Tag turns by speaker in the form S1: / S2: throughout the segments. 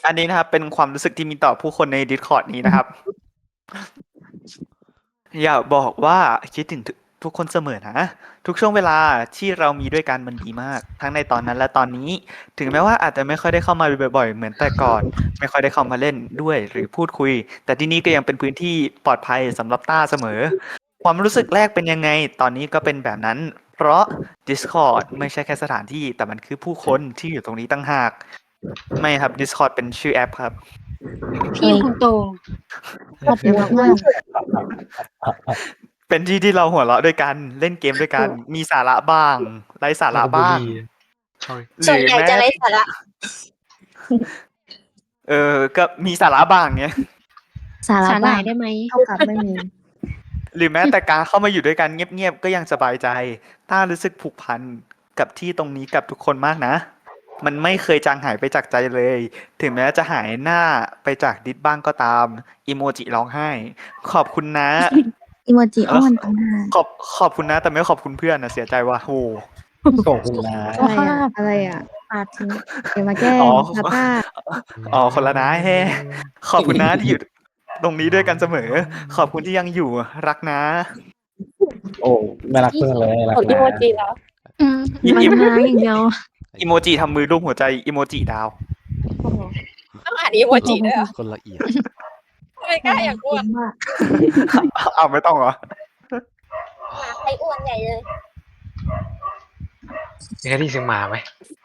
S1: อันนี้นะครับเป็นความรู้สึกที่มีต่อผู้คนใน Discord นี้นะครับ อยากบอกว่าคิดถึงทุกคนเสมอนะทุกช่วงเวลาที่เรามีด้วยกันมันดีมากทั้งในตอนนั้นและตอนนี้ถึงแม้ว่าอาจจะไม่ค่อยได้เข้ามาบ่อยๆเหมือนแต่ก่อนไม่ค่อยได้เข้ามาเล่นด้วยหรือพูดคุยแต่ที่นี่ก็ยังเป็นพื้นที่ปลอดภัยสำหรับต้าเสมอความรู้สึกแรกเป็นยังไงตอนนี้ก็เป็นแบบนั้นเพราะ Discord ไม่ใช่แค่สถานที่แต่มันคือผู้คนที่อยู่ตรงนี้ตั้งหากไม่ครับ Discord เป็นชื่อแอปครับ
S2: พี่คุณโต
S3: ขอบคุณมาก
S1: เป็นที่ที่เราหัวเราะด้วยกันเล่นเกมด้วยกันมีสาระบ้างไร้สาระบ้าง
S4: sorry
S1: ห
S5: ส่วน
S1: รือ
S5: ใหญ่
S1: แม้
S5: จะไร้สาระ
S1: ก็มีสาระบ้างเนี้ย
S3: สาระ
S2: สาห
S3: บ้า
S2: ร่าง ยได้ไหม
S3: เท่ากับไม่มี
S1: หรือแม้แต่การเข้ามาอยู่ด้วยกันเงียบๆก็ยังสบายใจต้ารู้สึกผูกพันกับที่ตรงนี้กับทุกคนมากนะ มันไม่เคยจางหายไปจากใจเลย ถึงแม้จะหายหน้าไปจากดิสบ้างก็ตามอีโมจิร้องไห้ ขอบคุณนะ
S3: อีโมจิอ้อนต่างหาก
S1: ขอบคุณนะแต่ไม่ขอบคุณเพื่อนนะเสียใจว่ะโห
S6: ขอบคุณนะ
S3: อะไรอ่ะปาดทิ้งเดี๋ยวมาแกล้ง
S1: อ๋อ
S3: ซาต้า
S1: อ๋อคนละนะแฮขอบคุณนะที่อยู่ตรงนี้ด้วยกันเสมอ ขอบคุณที่ยังอยู่รักนะ
S6: โอ้ไม่รักเพื่อนเลยรัก
S5: ของอี
S6: นะ
S5: โมจิแล้ว
S2: อืม
S3: มันหาอย่างเดียว
S1: อีโมจิทำมือรูปหัวใจอีโมจิดาว
S5: ต้องอ่านอีโมจิด้วยเหรอ
S4: คนละเอียด
S5: ไม่กล้าอยากอ้วน
S1: เอาไม่ต้องเหรอ
S5: ใครอ้วนใหญ่เลย
S4: มีใครได้ยินเสียงหมาไหม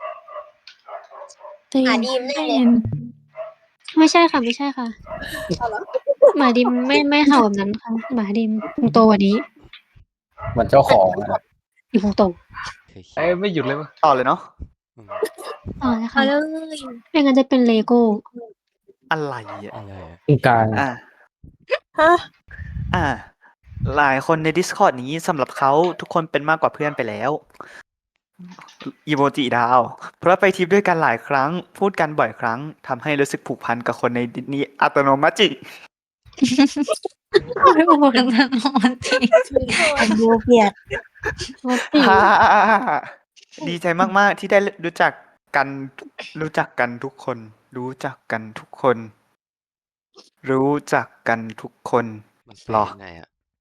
S2: แต่
S5: อ่านดีมแน่เลย
S2: ไม่ใช่ค่ะไม่ใช่ค่ะ
S5: เอาเหรอ
S2: หมาดิมไม่เห่าแบบนั้นค่ะหมาดิมคุณโตกว่านี้
S6: เหมือนเจ้าของอะ
S2: อยู่คุณโต
S4: เอ้ยไม่หยุดเลยมั้ย
S1: ต่อเลยเนาะ
S2: ต่อเลย
S5: เอา
S2: ค่ะ
S5: เลย
S2: ไม่งั้นจะเป็นเลโก้
S1: อะไรอ่ะ
S4: อะไรอะ
S6: ตรงกลาง
S1: อ่ะ
S5: ฮะ
S1: อ่ะหลายคนใน Discord นี้สำหรับเขาทุกคนเป็นมากกว่าเพื่อนไปแล้วอีโมจิดาว เพราะไปทริปด้วยกันหลายครั้ง พูดกันบ่อยครั้งทำให้รู้สึกผูกพันกับคนในดิสนี้อัตโนมัติ
S2: ไม่บอกกันนะมันจริง
S3: ผมดูเกลียด
S2: มันจริง
S1: ฮ่าดีใจมากๆที่ได้รู้จักกันทุกคน รู้จักกันทุกคน รู้จักกันทุกคน
S4: มันแป
S1: ห
S4: ล
S1: รอ
S4: ยังไงอะ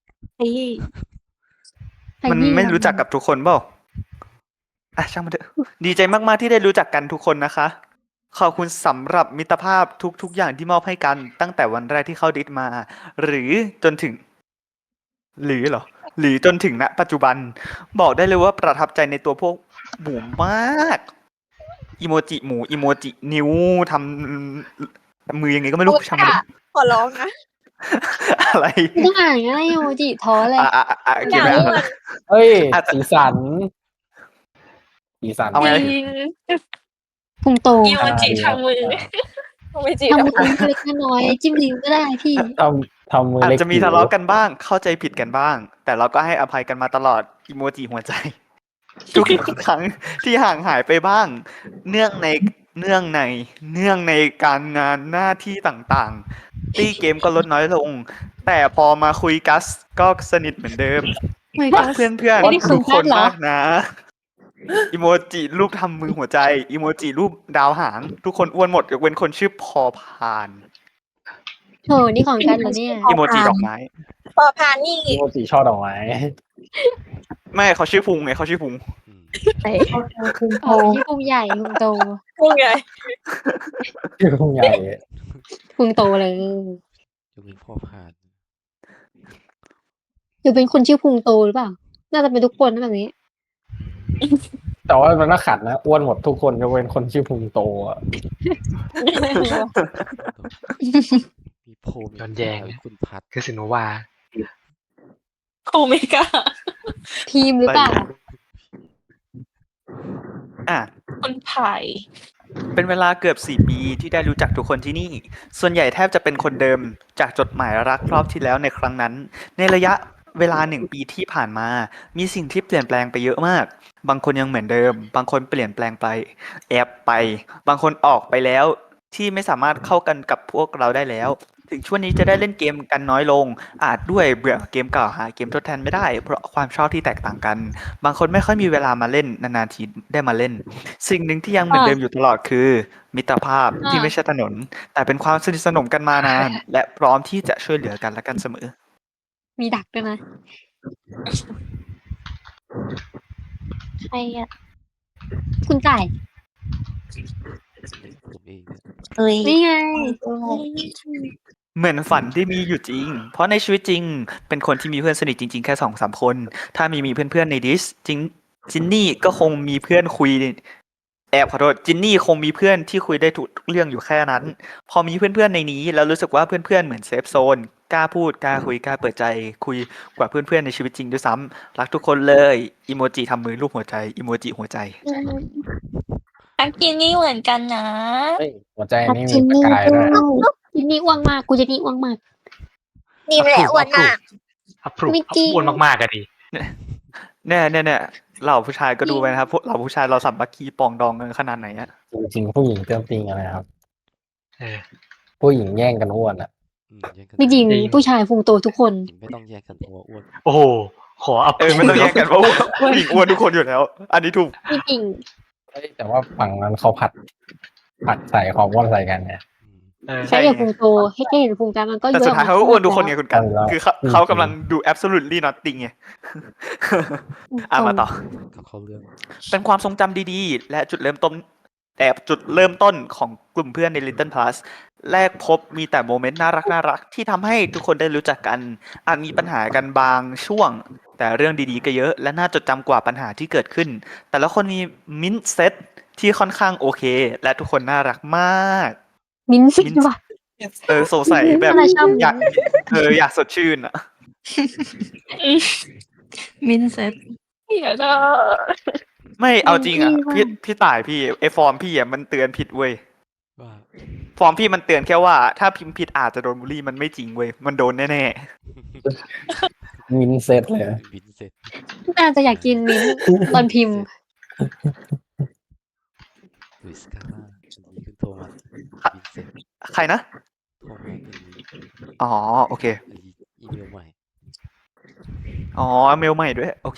S1: มันไม่รู้จักกับทุกคนเปล่าอ่ะช่างมันเถอะ ดีใจมากๆที่ได้รู้จักกันทุกคนนะคะ ขอบคุณสำหรับมิตรภาพทุกๆอย่างที่มอบให้กันตั้งแต่วันแรกที่เข้าดิสมา หรือจนถึง หรือเหรอ หรือจนถึงณปัจจุบัน บอกได้เลยว่าประทับใจในตัวพวกหมูมากอีโมจิหมูอีโมจินิ้วทำมือยังไงก็ไม่รู้ช่างมันเถอะ
S5: ขอร้องนะ
S1: อะไร
S2: ต้องอ่านอะไรโมจิท้อเลย
S1: เก็บไว้อ่าน
S6: เฮ้ย
S1: อาจจะ
S6: สีสันสีสัน
S1: เอาไง
S2: พุงโต
S5: อีโมจิทำมืออีโมจิ
S2: ทำ
S5: แล้ว
S2: มือเล็กๆน้อยๆจิ้มลิ้มก็ได้พี่
S6: ทำมือ
S1: อาจ
S6: เล็ก
S1: จะมีทะเลาะกันบ้าง เข้าใจผิดกันบ้าง แต่เราก็ให้อภัยกันมาตลอดอีโมจิหัวใจ ทุกครั้งที่ห่างหายไปบ้าง เนื่องในการงานหน้าที่ต่างๆ ตี้เกมก็ลดน้อยลง แต่พอมาคุยกัสก็สนิทเหมือนเดิม
S2: คุย
S1: รั
S2: กั
S1: ก
S2: ส
S1: เพื่อน
S2: ไม่ได้
S1: ๆ
S2: คุ
S1: ทุ
S2: ย
S1: ก
S2: กั
S1: ค
S2: ส
S1: น
S2: เหรอ
S1: มากนะอีโมจิรูปทำมือหัวใจอีโมจิรูปดาวหาง ทุกคนอ้วนหมดยกเว้นคนชื่อพอพาน
S2: โหนี่ของกันเหรอเนี่ย
S1: อีโมจิดอกไม้
S5: พอพานนี่
S6: อีโมจิช่อดอกไม้
S1: ไม่เขาชื่อพุงไงเขาชื่อพุง
S4: อืม
S3: แต่คุณ
S2: โอ้ที่พุงใหญ่พุงโต
S5: พูดไง
S6: ชื่อคงใหญ่
S2: พุงโตเลย
S4: ยกเว้นพ่อพาน
S2: หรือเป็นคนชื่อพุงโตหรือเปล่า น่าจะเป็นทุกคนนะแบบนี้
S6: แต่ว่ามันน่าขัดนะอ้วนหมดทุกคนยกเว้นคนชื่อพุงโตอะ
S4: มีโพม
S7: ย้อนแย้ง
S4: คุณพัด
S7: คือสินวา
S5: โคเมกา
S2: ทีมหรือเปล่า
S1: อ่ะ
S5: คนไผ่
S1: เป็นเวลาเกือบ4 ปีที่ได้รู้จักทุกคนที่นี่ ส่วนใหญ่แทบจะเป็นคนเดิมจากจดหมายรักรอบที่แล้วในครั้งนั้น ในระยะเวลา1 ปีที่ผ่านมา มีสิ่งที่เปลี่ยนแปลงไปเยอะมาก บางคนยังเหมือนเดิม บางคนเปลี่ยนแปลงไป แอบไป บางคนออกไปแล้ว ที่ไม่สามารถเข้ากันกับพวกเราได้แล้วถึงช่วงนี้จะได้เล่นเกมกันน้อยลง อาจด้วยเบื่อเกมเก่าหาเกมทดแทนไม่ได้เพราะความชอบที่แตกต่างกัน บางคนไม่ค่อยมีเวลามาเล่นนานๆทีได้มาเล่น สิ่งหนึ่งที่ยังเหมือนเดิมอยู่ตลอดคือ มิตรภาพที่ไม่ใช่ถนน แต่เป็นความสนิทสนมกันมานาน และพร้อมที่จะช่วยเหลือกันและกันเสมอ
S2: มีดักด้วยนะ ใครอ่ะ คุณจ่าย
S4: ผมเองเนี่ย
S3: เอ้ย
S2: นี่ไง
S1: เหมือนฝันที่มีอยู่จริง เพราะในชีวิตจริง เป็นคนที่มีเพื่อนสนิทจริงๆแค่2-3 คน ถ้ามีเพื่อนๆในดิสจินนี่ก็คงมีเพื่อนคุย ขอโทษจินนี่คงมีเพื่อนที่คุยได้ทุกเรื่องอยู่แค่นั้น พอมีเพื่อนๆในนี้แล้วรู้สึกว่าเพื่อนๆเหมือนเซฟโซน กล้าพูดกล้าคุยกล้าเปิดใจคุยกว่าเพื่อนๆในชีวิตจริงด้วยซ้ำรักทุกคนเลยอีโมจิทำมือรูปหัวใจอีโมจิหัวใจ
S5: อักกินนี่เหมือนกันนะ
S6: เฮ้ยหัวใจ
S3: พั
S6: นี่
S3: ชิ
S6: มีประ
S3: นี่
S6: กาย
S3: ด้
S6: ด้
S3: ว
S6: วย
S3: ย
S2: จินนี่อ้วงมาก กูจะนี่อ้วงมาก
S5: นี่แหละอ้วนมาก
S4: อัพพรูฟ
S2: ไม่จริง
S4: อ้วนมากๆก็ดี
S1: เนี่ยเหล่าผู้ชายก็ดูไปนะครับพวกเหล่าผู้ชายเราสัมบัคคีปองดองกันขนาดไหนอะ
S6: จริงๆผู้หญิงเติมจริงอะไรครับ
S4: เออ
S6: ผู้หญิงแย่งกันอ้วนอ่ะ
S4: แย่งกัน
S2: ไม่จริง
S4: จริง
S2: ผู้ชายพุงโตทุกคน
S4: ไม่ต้องแย่งกันเพราะว่าอ้วน
S6: โอ้โห
S4: ขออัพ
S1: ไม่ต้องแย่งกันเพราะว่าผู้หญิงอ้วนทุกคนอยู่แล้ว อันนี้ถูก
S2: ไม่จริง
S6: เฮ้ยแต่ว่าฝั่งนั้นเขาผัดใส่ความอ้วนใส่กันเนี่ย
S4: เออ
S2: แค่เห็นพุงโตให้แค่เห็นพุงกลางมันก็
S1: แต่สุดท้ายเขาก็อ้วนทุกคนไงคุณกัน
S6: เอาแล้ว
S1: คือเขากำลังดู absolutely nothing ไง มาต่อ
S4: เขาเรื่อง
S1: เป็นความทรงจำดีๆ และจุดเริ่มต้นของกลุ่มเพื่อนใน Little Plus แรกพบมีแต่โมเมนต์น่ารักที่ทำให้ทุกคนได้รู้จักกัน อาจมีปัญหากันบางช่วง แต่เรื่องดีๆก็เยอะ และน่าจดจำกว่าปัญหาที่เกิดขึ้น แต่ละคนมีมินเซ็ตที่ค่อนข้างโอเค และทุกคนน่ารักมาก
S2: มิ้นท์สิว่ะ
S1: สงสัยแบบ
S2: อะไรชอบ
S1: อยากสดชื่นอ่ะ
S3: มินเซ็ต
S5: เดี๋ยวนะ
S1: ไม่เอาจริงอ่ะ
S2: ดีว่ะ
S1: พี่ต่ายพี่ไอฟอร์มพี่อ่ะมันเตือนผิดเว้ย
S4: ว่า
S1: ฟอร์มพี่มันเตือนแค่ว่าถ้าพิมพ์ผิดอาจจะโดนบูลลี่มันไม่จริงเว้ยมันโดนแน่
S6: มินเซตเลย
S4: บินเสร็จ
S2: น่าจะอยากกินมิ้นท์ตอนพิมพ์
S4: ลุยสกาล่าอันนี้คือโทมัสบินเสร็จ
S1: ๆใครนะ
S4: โทมัสอันนี้
S1: อ๋อโอเค
S4: อันนี้อีเมลใหม่
S1: อ๋อเมลใหม่ด้วยโอเค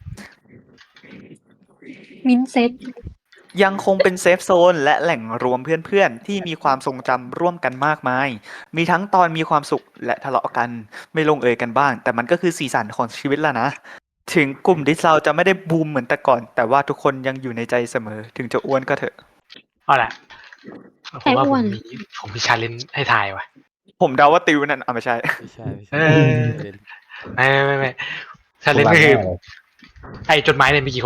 S2: มิ้นท์เซ็ต
S1: ยังคงเป็นเซฟโซนและแหล่งรวมเพื่อนๆ ที่มีความทรงจำร่วมกันมากมาย มีทั้งตอนมีความสุขและทะเลาะกัน ไม่ลงเอยกันบ้าง แต่มันก็คือสีสันของชีวิตแล้วนะ ถึงกลุ่มดิสเราจะไม่ได้บูมเหมือนแต่ก่อน แต่ว่าทุกคนยังอยู่ในใจเสมอ ถึงจะอ้วนก็เถอะ
S4: เอาล่ะผมว่า
S2: อ้วน
S4: ผมมีชาเลนจ์ให้ทายว่ะ
S1: ผมเดาว่าติวนั่นไม่ใช่
S4: ไม่ใช่
S6: เออ
S4: ไม่ชาเลนจ์ก็คือไอ้จดหมายเนี่ยมีกี่คน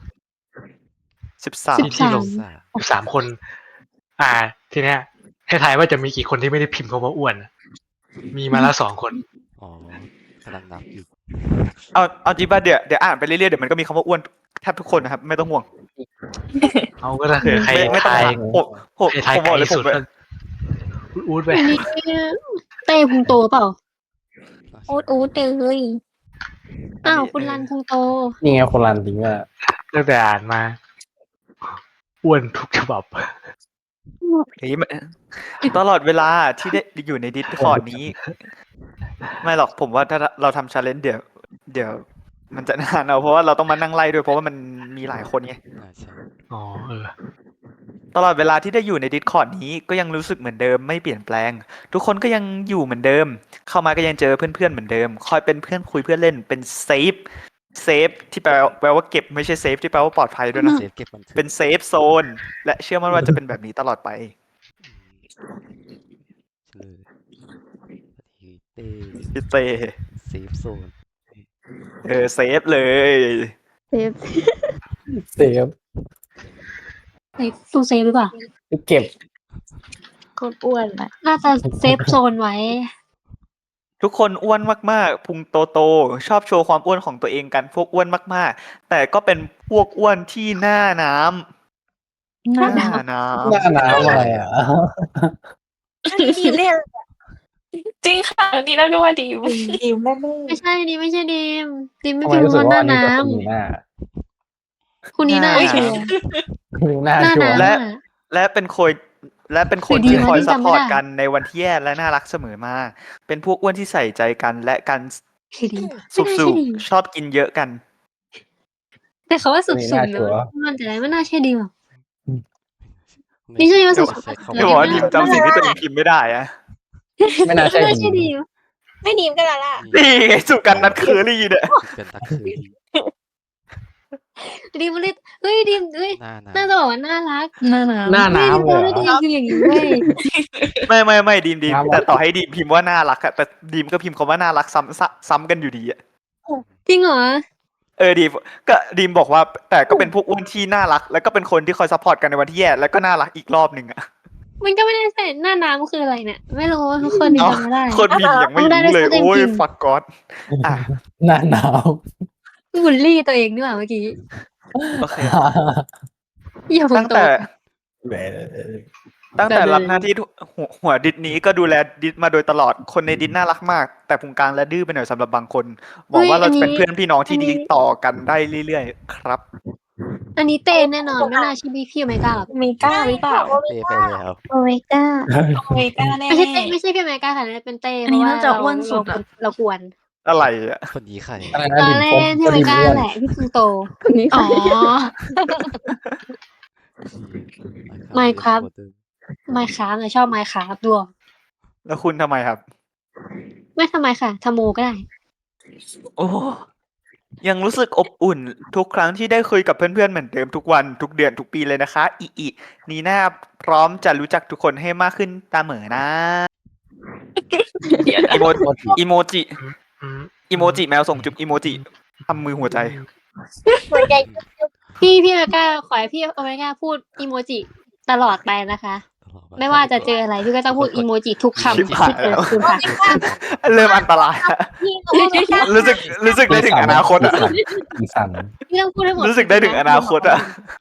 S1: 13
S4: ที่ลง13 คน ทีเนี้ยให้ทายว่าจะมีกี่คนที่ไม่ได้พิมพ์คำว่าอ้วน มีมาแล้ว2 คน
S7: อ๋อกำลังนับอยู่
S1: เอาจริงป่ะเดี๋ยวอ่านไปเรื่อยๆเดี๋ยวมันก็มีคำว่าอ้วนแทบทุกคนนะครับไม่ต้องห่วง
S4: เอาก็ถ้าเกิดใคร
S1: ไม่ต้อง
S4: ทาย
S1: ห่วงผม
S4: ใครทาย
S1: ผม
S4: ไก
S1: บอก
S4: ล
S1: เลยผ
S4: สุ
S1: ม
S4: ดก็อูดไป
S2: อันนี้เต้พุงโตเปล่า
S5: อูดเลย
S2: อ้าวคุณรันพุงโต
S6: นี่ไงคนรันจริงอ่ะ
S4: ตั้งแต่อ่านมา อ้วนทุกฉบับ
S1: เฮ้ยตลอดเวลาที่ได้อยู่ในดิสคอร์ดนี้ ไม่หรอกผมว่าถ้าเราทำชาเลนจ์เดี๋ยวมันจะนานเอาเพราะว่าเราต้องมานั่งไล่ด้วยเพราะว่ามันมีหลายคนไง
S7: ใช่
S4: อ๋อ
S1: ตลอดเวลาที่ได้อยู่ในดิสคอร์ดนี้ก็ยังรู้สึกเหมือนเดิมไม่เปลี่ยนแปลง ทุกคนก็ยังอยู่เหมือนเดิม เข้ามาก็ยังเจอเพื่อนๆเหมือนเดิม คอยเป็นเพื่อนคุยเพื่อนเล่นเป็นเซฟที่แปลว่าเก็บไม่ใช่เซฟที่แปลว่าปลอดภัยด้วยนะ
S7: เซฟเก็บบันทึก
S1: เป็นเซฟโซนและเชื่อมั่นว่าจะเป็นแบบนี้ตลอดไป
S7: เฉลยเต้
S1: พี่เต
S7: เซฟโซน
S1: เซฟเลย
S2: เซฟ
S6: เซฟ
S2: ตู้เซฟหรือเปล่า
S6: เก็บ
S3: คนอ้วนอ่ะ
S2: น่าจะเซฟโซนไว้
S1: ทุกคนอ้วนมากๆพุงโตๆชอบโชว์ความอ้วนของตัวเองกันพวกอ้วนมากๆ แต่ก็เป็นพวกอ้วนที่หน้าน้ำ
S2: หน้า
S1: ห
S2: น้
S1: น้าน้
S6: หน้าน้ำอะไรอ่ะ
S5: ดีเล่นจริงค่ะนี่เราก็ว่าดี
S3: ดิวแม่แม่
S2: ำไม่ใช่ดีไม่ใช่ดีมดีมไม่
S6: ทำไม
S2: พิม
S6: รู้
S2: พ์
S6: สึก
S2: ว่าห
S6: ว่า
S2: น้า
S6: อันนี้
S2: น้
S6: ก็คือหน้า
S2: ำคุณนี่หน้า
S1: ำ
S2: ชัวร์
S6: หน้า
S2: หน้า
S6: ชัวร์
S2: น้ำ
S1: และ
S2: อะ
S1: และเป็นคนและเป็นคน
S2: คือดี
S1: ที่
S2: นะ
S1: คอย
S2: ที่
S1: ซัพ
S2: จำ
S1: พ
S2: ไม่
S1: อร์ต
S2: ได้
S1: กันในวันที่แย่และน่ารักเสมอมาเป็นพวกอ้วนที่ใส่ใจกันและกัน
S2: คือดี
S1: สุ
S2: ไม่น่าใช่ดี
S1: ชอบกินเยอะกัน
S2: แต่เขาว่าสุ
S6: นี่
S2: บ
S6: น่า
S2: ๆ
S6: ชั
S2: นะ
S6: วร์
S2: มันจะอะไรไม่น่าใช่ดีหรอก
S7: ไม่
S2: นี่ใช่ว่า
S1: เดี๋
S2: สุ
S1: ยว
S2: บ
S7: ใช้คำ
S2: ๆ
S1: เดี๋ยวบอกว่า
S2: ไม่
S1: ดีมจำสิ่งที่ตัวเองพิมพ์ไม่ได้อะ
S6: ไม่น่าใช่
S2: น่า
S6: ดี
S2: ใช่ดี
S5: ไม่ดีมก็แล้วล่ะ
S1: นี่ไงสุกันนัดเคอรี่เนี่ย
S7: กันตักคือ
S2: ดีมันเลยเฮ้ยดีมเฮ้ย
S7: หน้าหนา
S2: น่าจะบอกว่าน่ารัก
S3: หน้าหนาว
S6: หน้า
S2: เฮ้ย
S6: น้ำ
S2: ดี
S6: เลย
S2: ม
S6: เหร
S2: ตัว
S6: อ
S2: ตัวเองคืออย่างนี้เว้ย
S1: ไม่ดีม
S6: ครับ
S1: แต่ต่อให้ดีมพิมพ์ว่าน่ารักอะแต่ดีมก็พิมพ์คำว่าน่ารักซ้ำกันอยู่ดีอะ
S2: จริงเหรอ
S1: ดีมก็ดีมบอกว่าแต่ก็เป็นพวกอ้วนที่น่ารัก แล้วก็เป็นคนที่คอยซัพพอร์ตกันในวันที่แย่แล้วก็น่ารักอีกรอบหนึ่งอะ
S2: มันก็ไม่ได้ใส่หน้าน้ำคืออะไรเนี่ย ไม่รู้ทุกคนยัง
S1: เอ้า
S2: จำไม่ได้
S1: คนพิมพ์ยังไม่
S2: ได้
S1: รู้เลย
S2: ได้
S1: โอ้ย
S2: จริงๆ
S1: ฟักก๊อดอ่ะ
S6: หน้าหนาว
S2: บูลลี่ตัวเองนี่หว่าเมื่อกี้
S1: โอเค
S2: อย่าพู
S1: ตั้
S2: ด
S1: ง
S2: โต
S1: แต่
S6: แหม
S1: ตั้งแต่รับหน้าที่หัวดิสนี้ก็ดูแลดิสมาโดยตลอดคนในดิสน่ารักมาก แต่พุงกลางและดื้อไปหน่อยสำหรับบางคนหวังว่าเราจะเป็นเพื่อนพี่น้องที่ดีต่อกันได้เรื่อยๆครับ
S2: อันนี้เต้นแน่นอนไม่น่าใช่พี่โอเมก้าหรอก
S5: มีก้าหรือเปล่า
S7: เตะไปแล้ว
S2: โอเมก้า
S5: มีก้าแน่
S2: ไม่ใช่เต้ไม่ใช่พี่โอเมก้าค่ะนั่นเป็นเต้
S3: อั
S2: เพ
S3: นนี้
S2: ราะว่า
S3: น่าจะอ้วนสุดอะ
S2: เรากวน
S1: อะไรอะ
S7: คนนี้ใคร
S6: อะไร
S2: ต
S6: นะ
S2: อน
S6: ดิน
S2: แร
S6: ฟ
S2: ก
S6: ม
S2: พี่โอเมก้า
S6: ดินอ้วน
S2: แหละพี่คุงโต
S3: คนนี้
S2: อ๋อ
S7: ไม่
S2: Minecraft ไมค์คราฟชอบไมค์คราฟด้วย
S1: แล้วคุณทำไมครับ
S2: ไม่ทำไมค่ะทำโมก็ได้
S1: โอ้ยังรู้สึกอบอุ่นทุกครั้งที่ได้คุยกับเพื่อนๆเหมือนเดิมทุกวันทุกเดือนทุกปีเลยนะคะอีนีน่าพร้อมจะรู้จักทุกคนให้มากขึ้นตามเหมอนะ
S5: เดี๋ยวนะ
S1: อีโมอีโมจิ
S4: อืม
S1: อีโมจิแมวส่งจุ๊บอีโมจิทำมือหัวใจ
S3: หัวใจ
S2: พี่โอเมก้าขอให้พี่โอเมก้าพูดอีโมจิตลอดไปนะคะ ไม่ว่าจะเจออะไรพี่ก็ต้องพูดอีโมจิทุกคำ
S1: ชิบ
S2: ที่
S1: หาย
S2: เจอ
S1: แล้ว
S2: คุณค่ะ
S1: เริ่มอันตรายอะ
S3: พี่โอเมก้า
S1: รู้สึกได้ถึงอนาคตอะ
S6: ดินสั่น
S2: พี่ต้องพูดให้หมด
S1: รู้สึกได้ถึงอนาคตอะ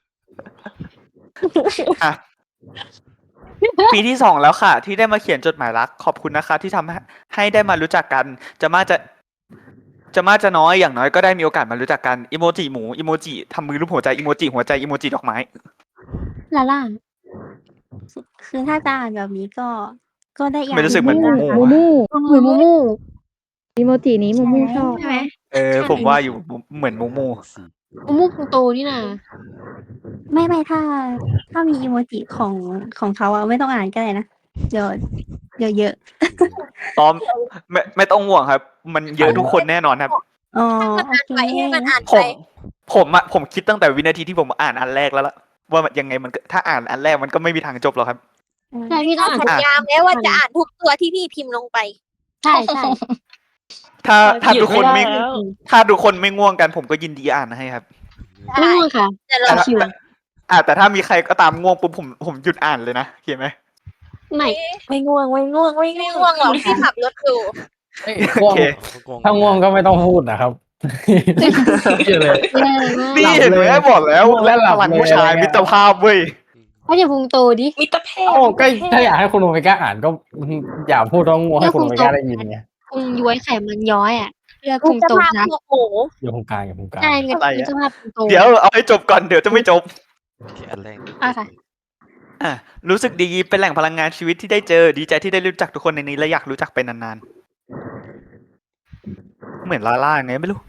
S1: อ่ะ ปีที่สองแล้วค่ะ ที่ได้มาเขียนจดหมายรักขอบคุณนะคะ ที่ทำให้ได้มารู้จักกัน จะมากจะน้อยอย่างน้อยก็ได้มีโอกาสมารู้จักกันอีโมจิหมูอีโมจิทำมือรูปหัวใจอีโมจิหัวใจอีโมจิดอกไม้
S2: ลาล่า
S8: คือถ้าจะอ่านแบบนี้ก็ได้อย่าง
S1: ไม่รู้สึกเหมือน
S8: หง
S1: มู
S8: นะคะ
S2: เหมือนมูมู
S8: อีโมจินี้มูมูชอบ
S2: ใช่ไหม
S1: ผมว่าอยู่เหมือนมูมู
S2: มูมูคุงโตนี่นะ
S8: ไม่ถ้ามีอีโมจิของเขาอะไม่ต้องอ่านก็ได้นะเดี๋ยวเยอะ
S1: ตอมไม่ต้องห่วงครับ มันเยอะทุกคนแน่นอนครับ
S8: อ๋อ
S3: ให้มัน
S8: โอ
S3: อ่าน
S8: เค
S3: ไปให้มันอ่าน
S1: ผ
S3: ไป
S1: ผมคิดตั้งแต่วินาทีที่ผมอ่านอันแรกแล้วล่ะว่ามันยังไงมันก็ถ้าอ่านอันแรกมันก็ไม่มีทางจบหรอกครับ
S2: ใช่พี่ต้องอ่าน
S3: สัญญาแม้ว่าจะอ่านทุกตัวที่พี่พิมพ์ลงไป
S2: ใช่ใช่
S1: ถ้าทุกคนไม่
S5: หยุดไม่ได้แล้ว
S1: ถ้าทุกคนไม่ง่วงกันผมก็ยินดีอ่านให้ครับ
S2: ไม่ง่วงค่ะ
S3: แต่เรา
S1: แต่แต่ถ้ามีใครก็ตามง่วงปุ๊บผมหยุดอ่านเลยนะเข้าไหม
S2: ไม่
S5: ไม่ง่วงไม่ง่วงไม่
S3: ไม่
S5: ง่
S3: ง่
S5: ว
S3: ว
S5: ง
S3: งหรอกพี่ขับรถอยู่
S6: เอ้ย
S1: โอ
S6: ง่วง
S1: เค
S6: ถ้าง่วงก็ไม่ต้องพูดนะครับเชื่อเลย
S2: แย่มาก
S1: นี่เห็นไหมบอกแล้ว
S6: ง่วงแล้วหลับ
S1: พลัง
S6: เลย
S1: ผู้ชาย
S6: อะไรเงี้ย
S1: มิตรภาพเว้ย
S2: เขาจะพุงโตดิ
S5: มิตรเพศ
S6: โอ้ก็ถ้าอยากให้คุณโอเมก้าอ่านก็อย่าพูดต้องง่วงให้คุณโอเมก้าได้ยินไง
S2: พุงย้วยไขมันย้อยอ่ะเลือก
S3: คุ
S2: พุ
S3: ณ
S2: ง
S3: จะ
S2: โต
S3: พา
S2: นะ
S3: พวกหมู
S6: อย่าพุงกลางอย่าพุงกลาง
S2: ใช่เป็น
S1: อะไรอะ
S2: มิตรภาพพุงโต
S1: เดี๋ยวเอาให้จบก่อนเดี๋ยวจะไม่จบ
S7: ที่อันแรก
S2: อ่ะค่ะ
S1: รู้สึกดีเป็นแหล่งพลังงานชีวิตที่ได้เจอดีใจที่ได้รู้จักทุกคนในนี้และอยากรู้จักไปนานๆเหมือนลาล่าไงไม่รู้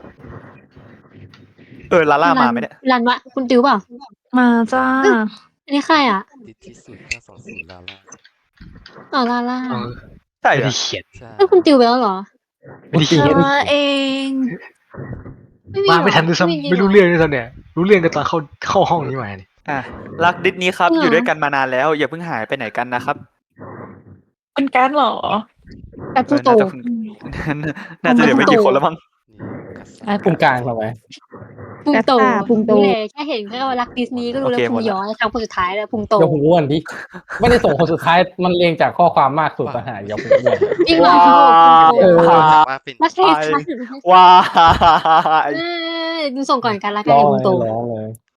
S1: ลาล่ามาไหมเนี่ย
S2: รันวะคุณติวเปล่า
S3: มาจ้า
S2: อันนี้ใครอ่ะ
S7: ติดที่สุด520ลาล่า
S2: อ๋อลาล่า
S4: เออ
S1: ใช่
S4: ไม่
S1: เหรอ
S4: ได้เขียน
S7: ใช่
S2: เอ้ยคุณติวไปแล้วเหรอ
S4: ไม่ได้เขียน
S3: มาเอง
S2: ไม่มี
S4: มา
S2: หรอ
S4: ไม่ทันด้วยซ้ำไม่รู้เรื่องด้วยซ้ำเนี่ย รู้เรื่องกันตอนเข้าห้องนี้มาเนี่ย
S1: รักดิสนี้ครับอยู่ด้วยกันมานานแล้ว อย่าเพิ่งหายไปไหนกันนะครับ
S5: เป็นการดเหรอ
S2: กับผู้โต
S1: น่าจะเดี๋ยวไม่กี่คนแล้วมั้ง
S7: นี่กระแส
S6: พุงกลางทำไม
S2: พุงโต
S8: พุงโต
S2: นี่แหละแค่เห็นแค่ว่ารักดิสนีย์ก็รู้แล้ว
S1: โอเคห
S2: พุ
S1: ม
S2: ง
S1: ดละ
S2: ย้อยครั้งคนสุดท้ายแล้วพุงโต
S6: อย่าพุงอ้วนดิไม่ได้ส่งคนสุดท้ายมันเรียงจากข้อความมากสุดต่างหากอย่าพุงอ้วน
S2: จริงเหรอ
S6: เออ
S7: ว่าเป็น
S2: รักแค่ค่ะ
S1: ว้าย
S2: ดูส่งก่อนกันละกัน
S6: ร้อง
S2: พุง
S6: เล
S2: โต
S6: ยร้องเลย